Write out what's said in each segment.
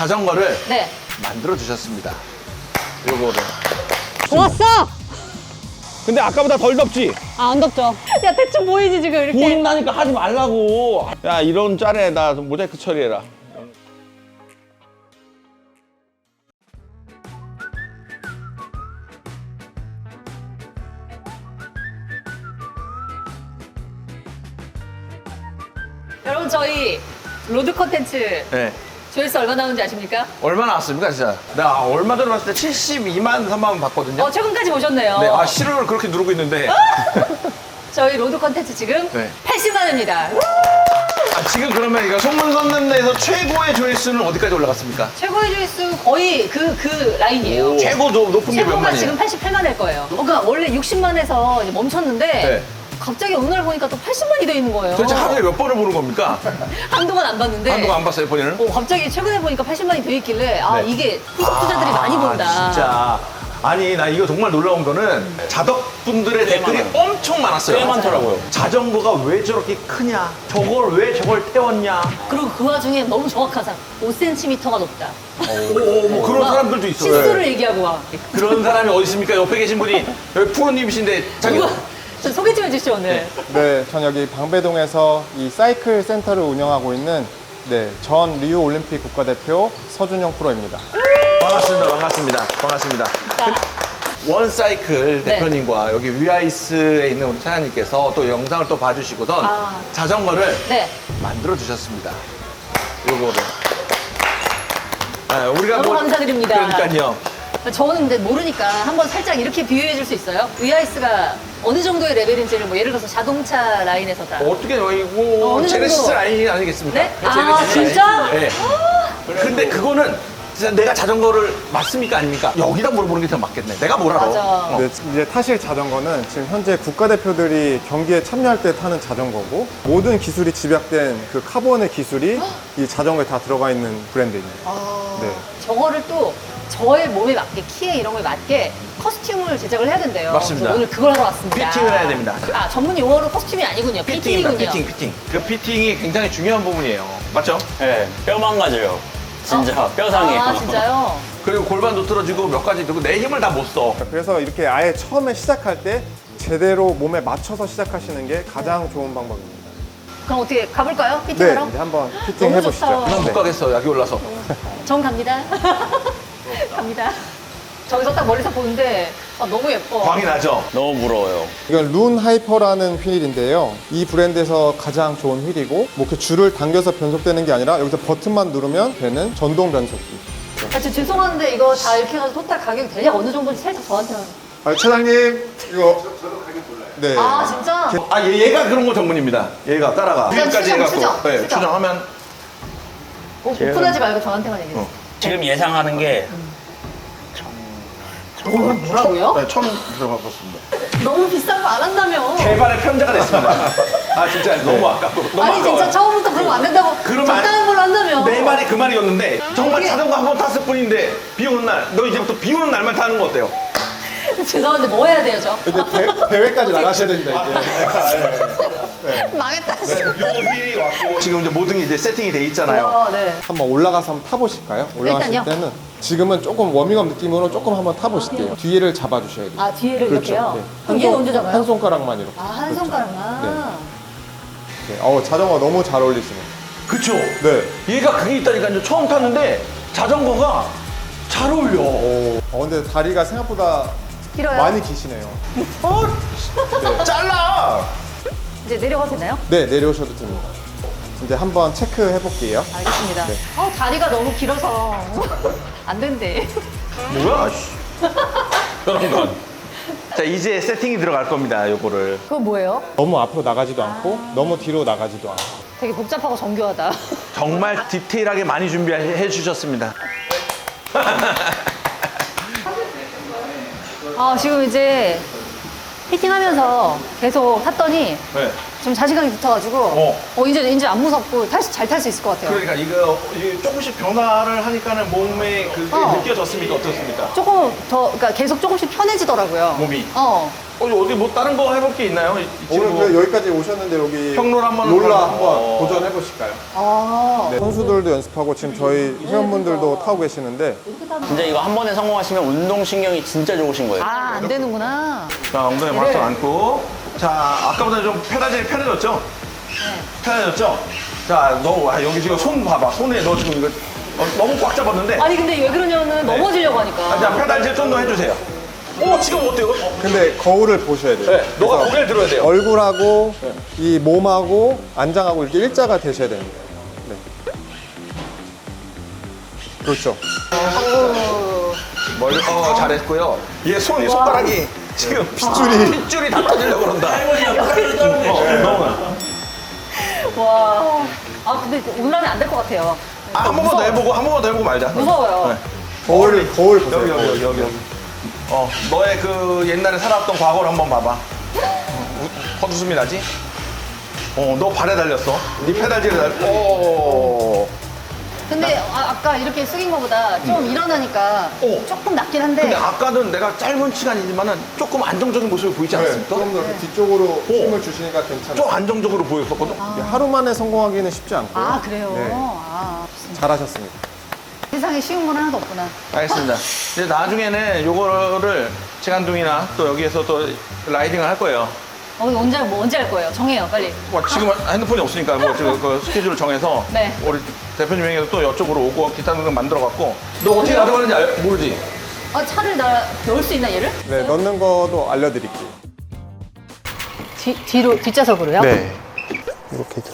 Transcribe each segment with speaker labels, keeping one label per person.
Speaker 1: 자전거를
Speaker 2: 네.
Speaker 1: 만들어 주셨습니다. 요거를.
Speaker 2: 좋았어!
Speaker 3: 근데 아까보다 덜 덥지?
Speaker 2: 아, 안 덥죠? 야, 대충 보이지, 지금 이렇게.
Speaker 3: 보인다니까 하지 말라고. 야, 이런 짤에 나 모자이크 처리해라.
Speaker 2: 여러분, 저희 로드 컨텐츠
Speaker 1: 네.
Speaker 2: 조회수 얼마 나오는지 아십니까?
Speaker 1: 얼마 나왔습니까, 진짜? 나 얼마 전에 봤을 때 72만 3만 원 봤거든요.
Speaker 2: 최근까지 보셨네요.
Speaker 1: 네, 아, 실효를 그렇게 누르고 있는데.
Speaker 2: 저희 로드 컨텐츠 지금
Speaker 1: 네.
Speaker 2: 80만 원입니다.
Speaker 1: 아, 지금 그러면 이거 소문 섰는 데에서 최고의 조회수는 어디까지 올라갔습니까?
Speaker 2: 최고의 조회수 거의 그 라인이에요.
Speaker 1: 최고 높은 게 몇
Speaker 2: 최고가
Speaker 1: 만이에요?
Speaker 2: 지금 88만일 거예요. 그러니까 원래 60만에서 멈췄는데
Speaker 1: 네.
Speaker 2: 갑자기 어느 날 보니까 또 80만이 돼 있는 거예요.
Speaker 1: 도대체 하루에 몇 번을 보는 겁니까?
Speaker 2: 한동안 안 봤는데
Speaker 1: 한동안 안 봤어요, 본인은?
Speaker 2: 갑자기 최근에 보니까 80만이 돼 있길래
Speaker 1: 네.
Speaker 2: 이게 후속주자들이 많이 본다.
Speaker 1: 진짜. 아니, 나 이거 정말 놀라운 거는 자덕분들의 댓글이 엄청 많았어요.
Speaker 3: 꽤 많더라고요.
Speaker 1: 자전거가 왜 저렇게 크냐? 저걸 태웠냐?
Speaker 2: 그리고 그 와중에 너무 정확하다. 5cm가 높다.
Speaker 1: 뭐 그런 사람들도 있어요.
Speaker 2: 실수를 얘기하고 와.
Speaker 1: 그런 사람이 어디 있습니까? 옆에 계신 분이 여기 프로님이신데 자기
Speaker 2: 누구? 저 소개 좀 해주시죠, 오늘.
Speaker 4: 네, 전 여기 방배동에서 이 사이클 센터를 운영하고 있는 전 리우 올림픽 국가대표 서준영 프로입니다.
Speaker 1: 반갑습니다. 원사이클
Speaker 2: 네.
Speaker 1: 대표님과 여기 위아이스에 있는 우리 차장님께서 또 영상을 또 봐주시고선 자전거를
Speaker 2: 네.
Speaker 1: 만들어 주셨습니다. 요거를. 아, 우리가
Speaker 2: 너무 감사드립니다.
Speaker 1: 그러니까요.
Speaker 2: 저는 근데 모르니까 한번 살짝 이렇게 비유해 줄 수 있어요? 위아이스가 어느 정도의 레벨인지를 뭐 예를 들어서 자동차 라인에서다.
Speaker 1: 어떻게
Speaker 2: 어느
Speaker 1: 이거 제네시스
Speaker 2: 정도?
Speaker 1: 라인이 아니겠습니까?
Speaker 2: 네?
Speaker 1: 제네시스
Speaker 2: 진짜?
Speaker 1: 라인. 네. 근데 그거는 진짜 내가 자전거를 맞습니까 아닙니까? 여기다 물어보는 게 더 맞겠네. 내가 뭘 알아?
Speaker 2: 맞아.
Speaker 4: 네, 이제 타실 자전거는 지금 현재 국가대표들이 경기에 참여할 때 타는 자전거고 모든 기술이 집약된 그 카본의 기술이 이 자전거에 다 들어가 있는 브랜드입니다. 네.
Speaker 2: 저거를 또 저의 몸에 맞게, 키에 이런 거에 맞게 커스튬을 제작을 해야 된대요.
Speaker 1: 맞습니다.
Speaker 2: 그래서 오늘 그걸 하러 왔습니다.
Speaker 1: 피팅을 해야 됩니다.
Speaker 2: 전문 용어로 커스튬이 아니군요. 피팅이군요.
Speaker 1: 피팅. 그 피팅이 굉장히 중요한 부분이에요. 맞죠?
Speaker 5: 네, 뼈 망가져요. 진짜 뼈 상해요.
Speaker 2: 아, 진짜요?
Speaker 1: 그리고 골반도 틀어지고 몇 가지 되고 내 힘을 다 못 써.
Speaker 4: 그래서 이렇게 아예 처음에 시작할 때 제대로 몸에 맞춰서 시작하시는 게 가장 좋은 방법입니다.
Speaker 2: 그럼 어떻게 가볼까요?
Speaker 4: 네,
Speaker 2: 피팅하러?
Speaker 4: 이제 한번 피팅
Speaker 2: 너무
Speaker 4: 해보시죠.
Speaker 2: 좋다.
Speaker 1: 난 못 가겠어, 여기 올라서.
Speaker 2: 전 갑니다. 갑니다. 저기서 딱 멀리서 보는데 너무 예뻐.
Speaker 1: 광이 나죠?
Speaker 5: 너무 부러워요.
Speaker 4: 이건 룬 하이퍼라는 휠인데요. 이 브랜드에서 가장 좋은 휠이고 뭐 이렇게 줄을 당겨서 변속되는 게 아니라 여기서 버튼만 누르면 되는 전동 변속기.
Speaker 2: 저 죄송한데 이거 다 이렇게 해가지고 토탈 가격이 대략 어느 정도인지 살짝 저한테만.
Speaker 4: 차장님 이거 네.
Speaker 2: 아, 진짜?
Speaker 1: 얘가 그런 거 전문입니다. 얘가 따라가.
Speaker 2: 일단
Speaker 1: 위까지
Speaker 2: 추정,
Speaker 1: 해갖고.
Speaker 2: 추정,
Speaker 1: 네,
Speaker 2: 추정.
Speaker 1: 추정하면.
Speaker 2: 오픈하지 말고 저한테만 얘기해.
Speaker 5: 지금 예상하는 게
Speaker 2: 뭐라고요?
Speaker 1: 네, 처음 들어봤습니다.
Speaker 2: 너무 비싼 거 안 한다며.
Speaker 1: 개발의 편자가 됐습니다. 아, 진짜 너무 아깝고. 너무
Speaker 2: 아니 진짜
Speaker 1: 아까워요.
Speaker 2: 처음부터 그러면 안 된다고
Speaker 1: 그러면
Speaker 2: 적당한 걸로 한다며.
Speaker 1: 내 말이 그 말이었는데 정말
Speaker 2: 이게-
Speaker 1: 자전거 한 번 탔을 뿐인데 비 오는 날 너 이제부터 비 오는 날만 타는 거 어때요?
Speaker 2: 죄송한데 뭐 해야 돼요 저?
Speaker 4: 이제 대회까지 나가셔야 됩니다 이제.
Speaker 2: 망했다.
Speaker 1: 요 휠이 왔고 지금 이제 모든 게 이제 세팅이 돼 있잖아요.
Speaker 2: 네.
Speaker 4: 한번 올라가서 한번 타보실까요? 올라가실
Speaker 2: 일단요.
Speaker 4: 때는 지금은 조금 워밍업 느낌으로 조금 한번 타보실게요. 뒤에를 잡아주셔야 돼요.
Speaker 2: 아 뒤에를 이렇게요?
Speaker 4: 네.
Speaker 2: 그럼 얘는 언제 잡아요?
Speaker 4: 한 손가락만 이렇게.
Speaker 2: 한 손가락만.
Speaker 4: 네. 자전거 너무 잘 어울리시네요.
Speaker 1: 그쵸?
Speaker 4: 네.
Speaker 1: 얘가 그게 있다니까요. 처음 탔는데 자전거가 잘 어울려.
Speaker 4: 근데 다리가 생각보다
Speaker 2: 길어요?
Speaker 4: 많이 기시네요.
Speaker 1: 잘라!
Speaker 2: 이제 내려가도 되나요?
Speaker 4: 네, 내려오셔도 됩니다. 이제 한번 체크해 볼게요.
Speaker 2: 알겠습니다.
Speaker 4: 네.
Speaker 2: 다리가 너무 길어서 안 된대.
Speaker 1: 뭐야? 그런 건. 자, 이제 세팅이 들어갈 겁니다, 요거를.
Speaker 2: 그거 뭐예요?
Speaker 4: 너무 앞으로 나가지도 않고 너무 뒤로 나가지도 않고.
Speaker 2: 되게 복잡하고 정교하다.
Speaker 1: 정말 디테일하게 많이 준비해 주셨습니다.
Speaker 2: 지금 이제 피팅하면서 계속 탔더니
Speaker 1: 네.
Speaker 2: 좀 자신감이 붙어가지고 이제 안 무섭고 잘 탈 수 있을 것 같아요.
Speaker 1: 그러니까 이게 조금씩 변화를 하니까는 몸에 그게 느껴졌습니까? 어떻습니까?
Speaker 2: 조금 더, 그러니까 계속 조금씩 편해지더라고요.
Speaker 1: 몸이? 어디 뭐 다른 거 해볼 게 있나요? 이
Speaker 4: 오늘
Speaker 1: 친구?
Speaker 4: 그 여기까지 오셨는데 여기
Speaker 1: 평롤 한번
Speaker 4: 롤라
Speaker 1: 한번.
Speaker 4: 한번 도전해 보실까요?
Speaker 2: 아.
Speaker 4: 네, 선수들도 연습하고 지금 저희 회원분들도 타고 계시는데
Speaker 5: 진짜 이거 한 번에 성공하시면 운동신경이 진짜 좋으신 거예요.
Speaker 2: 아, 안 되는구나.
Speaker 1: 자, 엉덩이 바짝 안고. 자, 아까보다 좀 페달질이 편해졌죠? 편해졌죠? 자, 너 여기 지금 손 봐봐. 손에 너 지금 이거 너무 꽉 잡았는데.
Speaker 2: 아니, 근데 왜 그러냐면 넘어지려고 하니까.
Speaker 1: 자, 페달질 좀 더 해주세요. 오, 지금 어때요?
Speaker 4: 근데 거울을 보셔야 돼요.
Speaker 1: 네, 너가
Speaker 4: 그래서
Speaker 1: 고개를 들어야 돼요.
Speaker 4: 얼굴하고 이 몸하고 안장하고 이렇게 일자가 되셔야 됩니다. 네. 그렇죠.
Speaker 1: 멀리, 잘했고요. 얘 손가락이 지금 핏줄이 다 터지려고 그런다. 너무.
Speaker 2: 와. 아, 근데 올라면 안 될 것 같아요.
Speaker 1: 한 번만 더 해보고, 한 번만 더 해보고 말자.
Speaker 2: 무서워요.
Speaker 1: 네.
Speaker 4: 거울 보세요.
Speaker 1: 여기. 너의 그 옛날에 살았던 과거를 한번 봐봐. 헛웃음이 나지? 너 발에 달렸어. 네 페달질에
Speaker 2: 근데 아까 이렇게 숙인 거보다 좀 일어나니까
Speaker 1: 오.
Speaker 2: 조금 낫긴 한데.
Speaker 1: 근데 아까는 내가 짧은 시간이지만은 조금 안정적인 모습을 보이지
Speaker 4: 네,
Speaker 1: 않습니까?
Speaker 4: 조금 더 이렇게 뒤쪽으로 힘을 주시니까
Speaker 1: 좀
Speaker 4: 괜찮아요.
Speaker 1: 안정적으로 보였었거든?
Speaker 4: 하루 만에 성공하기는 쉽지 않고요.
Speaker 2: 아, 그래요?
Speaker 4: 네,
Speaker 2: 아,
Speaker 4: 잘하셨습니다.
Speaker 2: 세상에 쉬운 건 하나도 없구나.
Speaker 1: 알겠습니다. 이제 나중에는 요거를 재간둥이나 또 여기에서 또 라이딩을 할 거예요.
Speaker 2: 언제 할 거예요? 정해요, 빨리.
Speaker 1: 지금 핸드폰이 없으니까 지금 그 스케줄을 정해서
Speaker 2: 네.
Speaker 1: 우리 대표님에게도 또 이쪽으로 오고 기타 등등 만들어갖고 너 어떻게 가져가는지 모르지?
Speaker 2: 차를 넣을 수 있나, 얘를?
Speaker 4: 네, 넣는 거도 알려드릴게요.
Speaker 2: 뒷좌석으로요?
Speaker 4: 네. 이렇게 들어.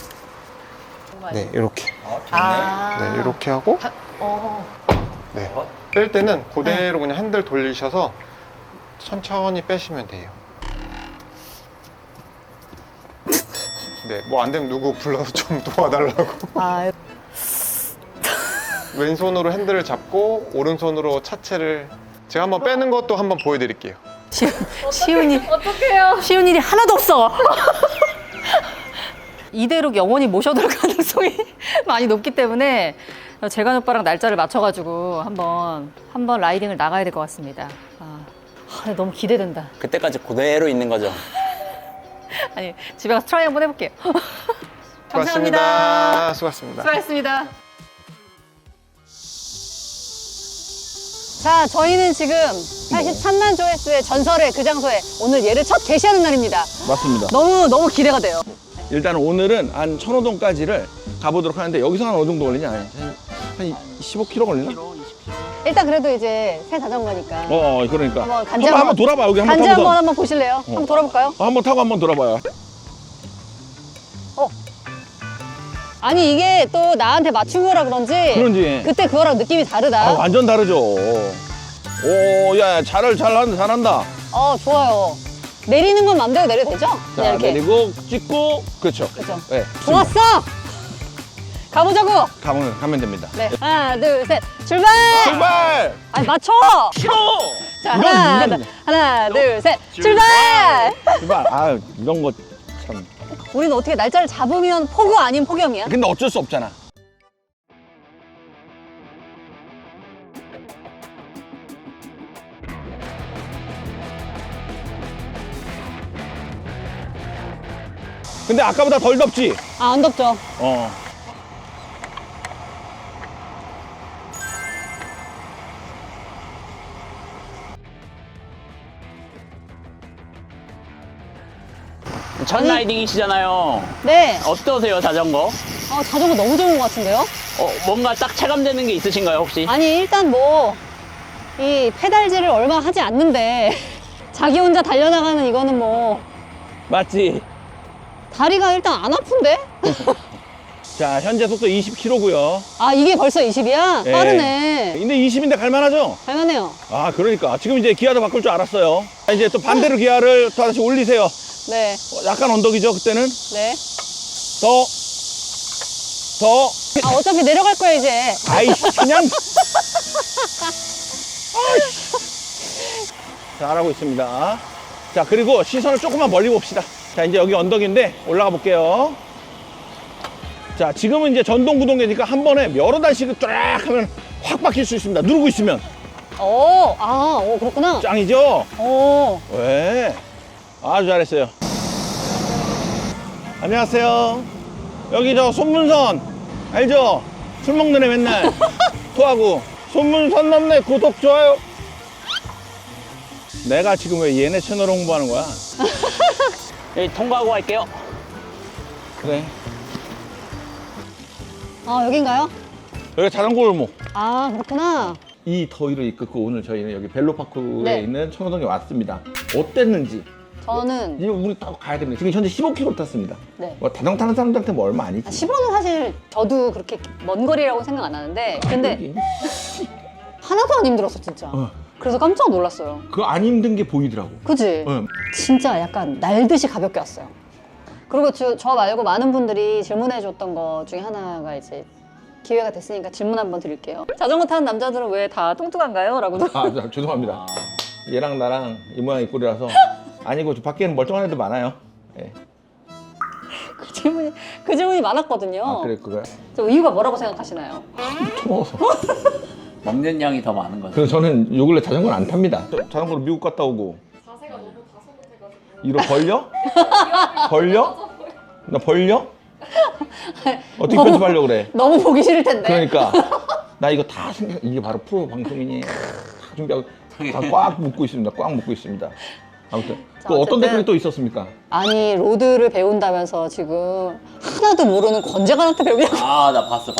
Speaker 4: 네, 이렇게.
Speaker 2: 아.
Speaker 4: 네, 이렇게 하고. 네. 뺄 때는 그대로 그냥 핸들 돌리셔서 천천히 빼시면 돼요. 네, 뭐 안 되면 누구 불러서 좀 도와달라고.
Speaker 2: 아,
Speaker 4: 왼손으로 핸들을 잡고 오른손으로 차체를 제가 한번 빼는 것도 한번 보여드릴게요.
Speaker 2: 쉬운 일. 어떡해요? 쉬운 일이 하나도 없어. 이대로 영원히 모셔둘 가능성이 많이 높기 때문에 재관 오빠랑 날짜를 맞춰가지고 한번 라이딩을 나가야 될 것 같습니다. 너무 기대된다.
Speaker 5: 그때까지 그대로 있는 거죠.
Speaker 2: 아니, 집에 가서 트라이 한번 해볼게요. 감사합니다.
Speaker 4: 수고하셨습니다.
Speaker 2: 수고하셨습니다. 자, 저희는 지금 83만 조회수의 전설의 그 장소에 오늘 얘를 첫 게시하는 날입니다.
Speaker 3: 맞습니다.
Speaker 2: 너무 기대가 돼요.
Speaker 3: 일단 오늘은 한 천호동까지를 가보도록 하는데 여기서 한 어느 정도 걸리냐? 한 15km 걸리나?
Speaker 2: 일단 그래도 이제 새 자전거니까.
Speaker 3: 그러니까.
Speaker 2: 한번 간지
Speaker 3: 한번 돌아봐. 여기 한번
Speaker 2: 간지
Speaker 3: 타고서.
Speaker 2: 한번 보실래요? 한번 돌아볼까요?
Speaker 3: 한번 타고 한번 돌아봐요.
Speaker 2: 아니, 이게 또 나한테 맞춘 거라 그런지 그때 그거랑 느낌이 다르다.
Speaker 3: 완전 다르죠. 오, 야, 잘한다.
Speaker 2: 좋아요. 내리는 건 맘대로 내려도 되죠?
Speaker 3: 자,
Speaker 2: 그냥 이렇게.
Speaker 3: 내리고 찍고 그렇죠.
Speaker 2: 그렇죠.
Speaker 3: 네,
Speaker 2: 좋았어! 가보자고!
Speaker 3: 가면 됩니다.
Speaker 2: 네, 하나, 둘, 셋, 출발!
Speaker 3: 출발!
Speaker 2: 아니, 맞춰!
Speaker 3: 싫어!
Speaker 2: 자,
Speaker 3: 이런.
Speaker 2: 하나, 둘, 셋, 출발!
Speaker 3: 출발! 이런 거 참.
Speaker 2: 우리는 어떻게 날짜를 잡으면 포구 아닌 폭염이야?
Speaker 3: 근데 어쩔 수 없잖아. 근데 아까보다 덜 덥지?
Speaker 2: 안 덥죠?
Speaker 5: 첫 라이딩이시잖아요.
Speaker 2: 네.
Speaker 5: 어떠세요, 자전거?
Speaker 2: 자전거 너무 좋은 것 같은데요?
Speaker 5: 뭔가 딱 체감되는 게 있으신가요, 혹시?
Speaker 2: 아니, 일단 이 페달질을 얼마 하지 않는데 자기 혼자 달려나가는 이거는
Speaker 3: 맞지?
Speaker 2: 다리가 일단 안 아픈데?
Speaker 3: 자, 현재 속도 20km고요.
Speaker 2: 이게 벌써 20이야?
Speaker 3: 네.
Speaker 2: 빠르네.
Speaker 3: 근데 20인데 갈만하죠?
Speaker 2: 갈만해요.
Speaker 3: 그러니까. 지금 이제 기아도 바꿀 줄 알았어요. 이제 또 반대로 기아를 또 다시 올리세요.
Speaker 2: 네.
Speaker 3: 약간 언덕이죠, 그때는?
Speaker 2: 네.
Speaker 3: 더.
Speaker 2: 어차피 내려갈 거야, 이제.
Speaker 3: 아이씨, 그냥. 잘하고 있습니다. 자, 그리고 시선을 조금만 멀리 봅시다. 자, 이제 여기 언덕인데 올라가 볼게요. 자, 지금은 이제 전동 구동계니까 한 번에 여러 단씩을 쫙 하면 확 바뀔 수 있습니다. 누르고 있으면.
Speaker 2: 그렇구나.
Speaker 3: 짱이죠?
Speaker 2: 오.
Speaker 3: 왜? 아주 잘했어요. 안녕하세요. 여기 저 손문선 알죠? 술 먹는 애 맨날 토하고 손문선 넘네 구독 좋아요. 내가 지금 왜 얘네 채널 홍보하는 거야?
Speaker 5: 여기 통과하고 갈게요.
Speaker 3: 그래.
Speaker 2: 여긴가요?
Speaker 3: 여기 자전거 골목.
Speaker 2: 그렇구나.
Speaker 3: 이 더위를 이끌고 오늘 저희는 여기 벨로파크에
Speaker 2: 네.
Speaker 3: 있는 청호동에 왔습니다. 어땠는지
Speaker 2: 저는
Speaker 3: 이제 우리 딱 가야 됩니다. 지금 현재 15km 탔습니다.
Speaker 2: 네.
Speaker 3: 뭐 자전거 타는 사람들한테 뭐 얼마 아니지.
Speaker 2: 15는 사실 저도 그렇게 먼 거리라고 생각 안 하는데 근데
Speaker 3: 여기.
Speaker 2: 하나도 안 힘들었어 진짜. 그래서 깜짝 놀랐어요.
Speaker 3: 그거 안 힘든 게 보이더라고.
Speaker 2: 그지?
Speaker 3: 응.
Speaker 2: 진짜 약간 날듯이 가볍게 왔어요. 그리고 저 말고 많은 분들이 질문해 줬던 것 중에 하나가 이제 기회가 됐으니까 질문 한번 드릴게요. 자전거 타는 남자들은 왜 다 뚱뚱한가요? 라고도.
Speaker 3: 죄송합니다. 얘랑 나랑 이 모양 이 꼴이라서 아니고 저 밖에는 멀쩡한 애들 많아요. 예.
Speaker 2: 그 질문이 많았거든요.
Speaker 3: 아 그래 그거야.
Speaker 2: 저 이유가 뭐라고 생각하시나요?
Speaker 3: 먹어서.
Speaker 5: 먹는 양이 더 많은 거죠.
Speaker 3: 그래서 저는 요 근래 자전거를 안 탑니다. 자전거로 미국 갔다 오고. 자세가 너무 다소곳해가지고. 이러 벌려? 벌려? 나 벌려? 어떻게 편집하려고 그래?
Speaker 2: 너무 보기 싫을 텐데.
Speaker 3: 그러니까 나 이거 다 생각 이게 바로 프로 방송이니 다 준비하고 다 꽉 묶고 있습니다. 꽉 묶고 있습니다. 아무튼
Speaker 2: 자,
Speaker 3: 또 어떤
Speaker 2: 어쨌든
Speaker 3: 댓글이 또 있었습니까?
Speaker 2: 아니 로드를 배운다면서 지금 하나도 모르는 권재관한테 배우냐고.
Speaker 5: 아, 나 봤어.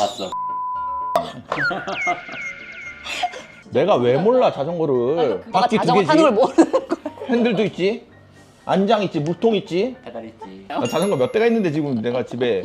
Speaker 3: 내가 왜 몰라 자전거를
Speaker 2: 내가
Speaker 3: 바퀴 두
Speaker 2: 자전거 타는 걸
Speaker 3: 개지
Speaker 2: 모르는 거야.
Speaker 3: 핸들도 있지 안장 있지 물통 있지
Speaker 5: 배달 있지.
Speaker 3: 나 자전거 몇 대가 있는데 지금 내가 집에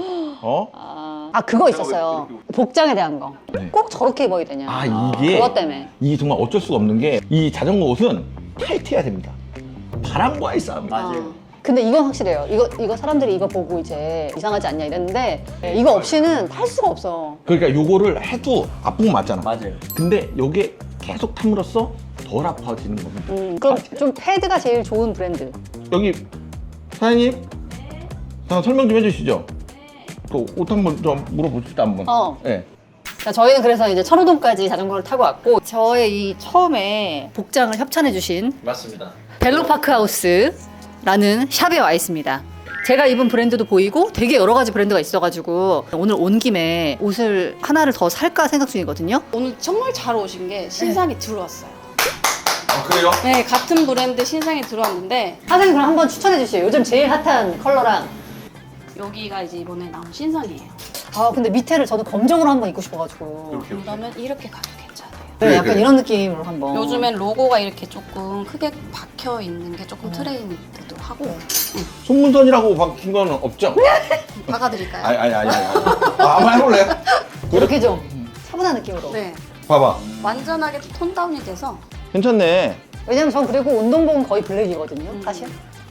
Speaker 2: 그거 있었어요. 복장에 대한 거.
Speaker 3: 네.
Speaker 2: 꼭 저렇게 입어야 되냐.
Speaker 3: 이게
Speaker 2: 그것 때문에.
Speaker 3: 이게 정말 어쩔 수가 없는 게 이 자전거 옷은 타이트해야 됩니다. 바람과의 싸움.
Speaker 5: 맞아요.
Speaker 2: 근데 이건 확실해요. 이거 사람들이 이거 보고 이제 이상하지 않냐 이랬는데 이거 없이는 탈 수가 없어.
Speaker 3: 그러니까 요거를 해도 아픈 거 맞잖아.
Speaker 5: 맞아요.
Speaker 3: 근데 요게 계속 탐으로써 덜 아파지는 겁니다.
Speaker 2: 그럼 좀 패드가 제일 좋은 브랜드.
Speaker 3: 여기 사장님, 자, 설명 좀 해주시죠. 그 옷 한번 좀 물어보시죠 한번. 네.
Speaker 2: 자, 저희는 그래서 이제 천호동까지 자전거를 타고 왔고 저의 이 처음에 복장을 협찬해주신
Speaker 5: 맞습니다.
Speaker 2: 벨로파크 하우스라는 샵에 와 있습니다. 제가 입은 브랜드도 보이고 되게 여러 가지 브랜드가 있어가지고 오늘 온 김에 옷을 하나를 더 살까 생각 중이거든요.
Speaker 6: 오늘 정말 잘 오신 게 신상이 들어왔어요.
Speaker 1: 그래요?
Speaker 6: 네, 같은 브랜드 신상이 들어왔는데
Speaker 2: 사장님 그럼 한번 추천해 주세요. 요즘 제일 핫한 컬러랑.
Speaker 6: 여기가 이제 이번에 나온 신상이에요.
Speaker 2: 근데 밑에를 저는 검정으로 한번 입고 싶어가지고.
Speaker 6: 그러면 이렇게 가도 괜찮아요.
Speaker 2: 네, 약간
Speaker 1: 그래.
Speaker 2: 이런 느낌으로 한번.
Speaker 6: 요즘엔 로고가 이렇게 조금 크게 박혀 있는 게 조금 트렌드도 하고
Speaker 3: 손문선이라고 박힌 건 없죠?
Speaker 6: 박아드릴까요?
Speaker 3: 아니. 한번 해볼래?
Speaker 2: 이렇게 좀 차분한 느낌으로.
Speaker 6: 네,
Speaker 3: 봐봐.
Speaker 6: 완전하게 톤 다운이 돼서
Speaker 3: 괜찮네.
Speaker 2: 왜냐면 전 그리고 운동복은 거의 블랙이거든요, 사실.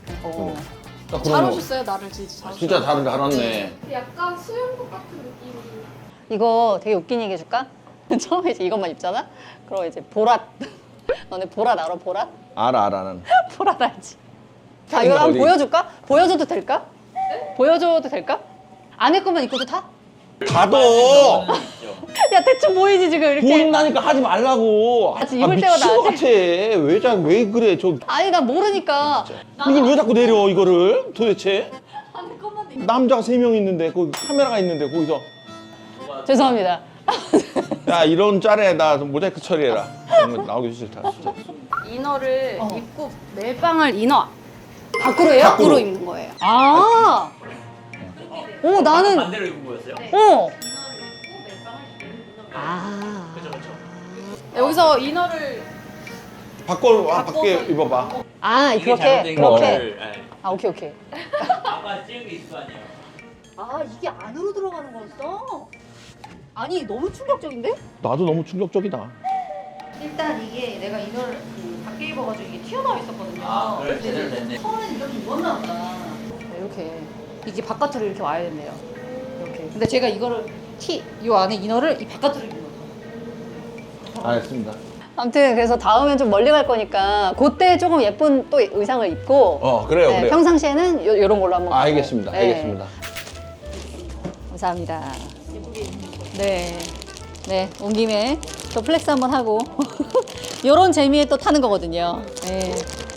Speaker 3: 딱
Speaker 6: 잘
Speaker 3: 그러면
Speaker 6: 오셨어요. 나를 진짜 잘 오셨어요.
Speaker 3: 진짜 잘 왔네.
Speaker 7: 약간 수영복 같은 느낌이.
Speaker 2: 이거 되게 웃긴 얘기 해줄까? 처음에 이제 이것만 입잖아? 그럼 이제 보랏. 너네 보랏 알아, 보랏?
Speaker 3: 알아 나는.
Speaker 2: 보랏 알지? 자, 이거 한번
Speaker 3: 어디?
Speaker 2: 보여줄까? 보여줘도 될까? 보여줘도 될까? 안에 것만 입고도 타?
Speaker 3: 가도
Speaker 2: 야, 대충 보이지, 지금 이렇게.
Speaker 3: 보인다니까 하지 말라고.
Speaker 2: 같이 입을 때마다
Speaker 3: 미친 것
Speaker 2: 하지.
Speaker 3: 같아. 왜 그래?
Speaker 2: 아니, 나 모르니까.
Speaker 3: 이걸 왜 자꾸 내려 이거를 도대체? 남자가 3명 있는데 거기 카메라가 있는데 거기서
Speaker 2: 죄송합니다.
Speaker 3: 야 이런 짤에 나 모자이크 처리해라. 이런 거 나오기 싫다 진짜.
Speaker 6: 이너를 입고 멜빵을 이너
Speaker 2: 밖으로 해요?
Speaker 6: 밖으로 입는 거예요.
Speaker 2: 아! 오, 나는.
Speaker 5: 반대로 입은 거였어요?
Speaker 2: 어! 아.
Speaker 6: 여기서 이너를
Speaker 3: 밖에 입어봐.
Speaker 2: 아, 그렇게? 그렇게? 아, 오케이.
Speaker 5: 아까 찍은 게 있을 거 아니에요?
Speaker 2: 아, 이게 안으로 들어가는 거였어? 아니, 너무 충격적인데?
Speaker 3: 나도 너무 충격적이다.
Speaker 2: 일단 이게 내가 이걸 밖에 입어가지고 이게 튀어나와 있었거든요.
Speaker 5: 그래, 제대로 됐네.
Speaker 2: 처음에는 이렇게 입었나 보다. 이렇게. 이게 바깥으로 이렇게 와야 된대요. 이렇게. 근데 제가 이거를 이 안에 이너를 이 바깥으로 입는 거죠.
Speaker 3: 알겠습니다.
Speaker 2: 아무튼 그래서 다음엔 좀 멀리 갈 거니까 그때 조금 예쁜 또 의상을 입고
Speaker 3: 그래요
Speaker 2: 네,
Speaker 3: 그래요.
Speaker 2: 평상시에는 요런 걸로 한번
Speaker 3: 알겠습니다.
Speaker 2: 네.
Speaker 3: 알겠습니다.
Speaker 2: 감사합니다. 네. 네, 온 김에 또 플렉스 한번 하고 요런 재미에 또 타는 거거든요. 네.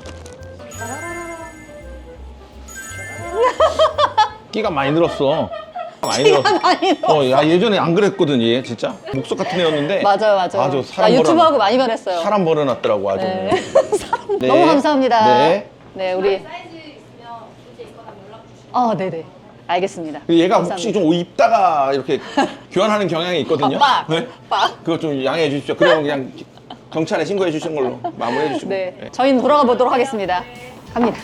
Speaker 3: 끼가 많이 늘었어. 많이 늘었어.
Speaker 2: 많이 늘었어.
Speaker 3: 야 예전에 안 그랬거든 얘 진짜 목석 같은 애였는데.
Speaker 2: 맞아요.
Speaker 3: 아주
Speaker 2: 나
Speaker 3: 사람
Speaker 2: 유튜브하고 많이 변했어요.
Speaker 3: 사람 버려놨더라고 아주.
Speaker 2: 네.
Speaker 3: 네.
Speaker 2: 너무 감사합니다.
Speaker 3: 네.
Speaker 2: 네, 우리.
Speaker 7: 사이즈 있으면 문제 있거나 연락 주시면
Speaker 2: 네네. 알겠습니다.
Speaker 3: 얘가
Speaker 2: 감사합니다.
Speaker 3: 혹시 좀 옷 입다가 이렇게 교환하는 경향이 있거든요.
Speaker 2: 빡!
Speaker 3: 네?
Speaker 2: 빡!
Speaker 3: 그거 좀 양해해 주십시오. 그러면 그냥 경찰에 신고해 주시는 걸로 마무리해 주시고.
Speaker 2: 네, 저희는 돌아가 보도록 하겠습니다. 갑니다.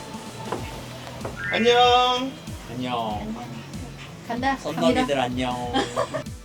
Speaker 3: 안녕.
Speaker 8: 안녕.
Speaker 2: 간다.
Speaker 8: 썬더기들 안녕.